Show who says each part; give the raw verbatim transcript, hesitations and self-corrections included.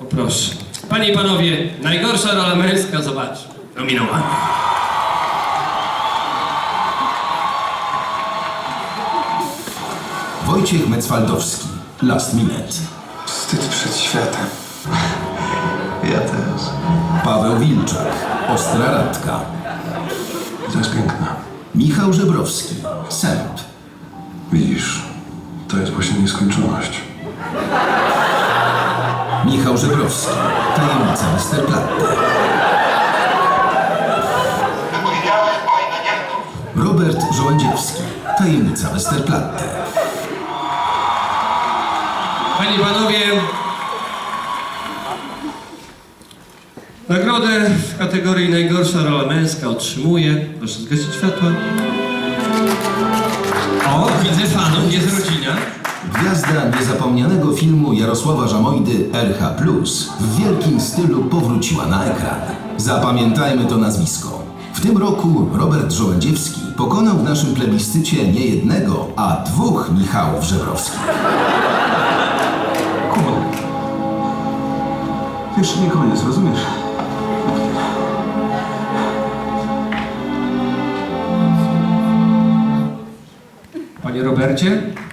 Speaker 1: O proszę. Panie i panowie, najgorsza rola męska, zobacz. Nominowany.
Speaker 2: Wojciech Mecwaldowski, Last Minute.
Speaker 3: Wstyd przed światem. Ja też.
Speaker 2: Paweł Wilczak, Ostra Radka.
Speaker 3: To jest piękne.
Speaker 2: Michał Żebrowski, Sęp.
Speaker 3: Widzisz, to jest właśnie nieskończoność.
Speaker 2: Michał Żebrowski, Tajemnica Westerplatte. Robert Żołędziewski, Tajemnica Westerplatte.
Speaker 1: Panie i panowie, nagrodę w kategorii najgorsza rola męska otrzymuje. Proszę zgasić światła. O, widzę fanów, jest rodzina.
Speaker 2: Gwiazda niezapomnianego filmu Jarosława Żamojdy R H plus w wielkim stylu powróciła na ekran. Zapamiętajmy to nazwisko. W tym roku Robert Żołędziewski pokonał w naszym plebiscycie nie jednego, a dwóch Michałów Żebrowskich.
Speaker 3: Kuba. Jeszcze nie koniec, rozumiesz?
Speaker 1: Panie Robercie,